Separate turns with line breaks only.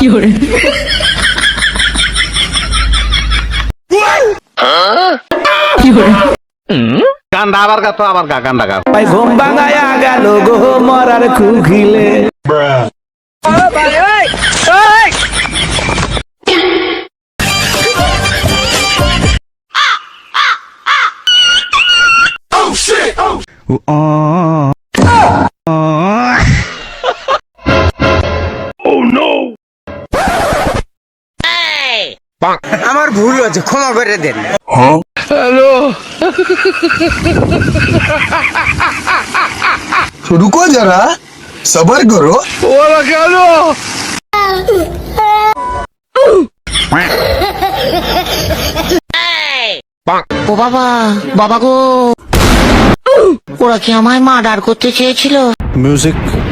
গান্ডা আবার গা তো আবার গা গান্ডা গা
ভাই ঘুম ভাঙায়া গেল গো মরার কুকিলে।
আমার ভুল হয়েছে, ক্ষমা করে দেন।
रुको जरा सबर करो।
ও বাবা, বাবা গো, ওরা কি আমায় মার্ডার করতে চেয়েছিল?
মিউজিক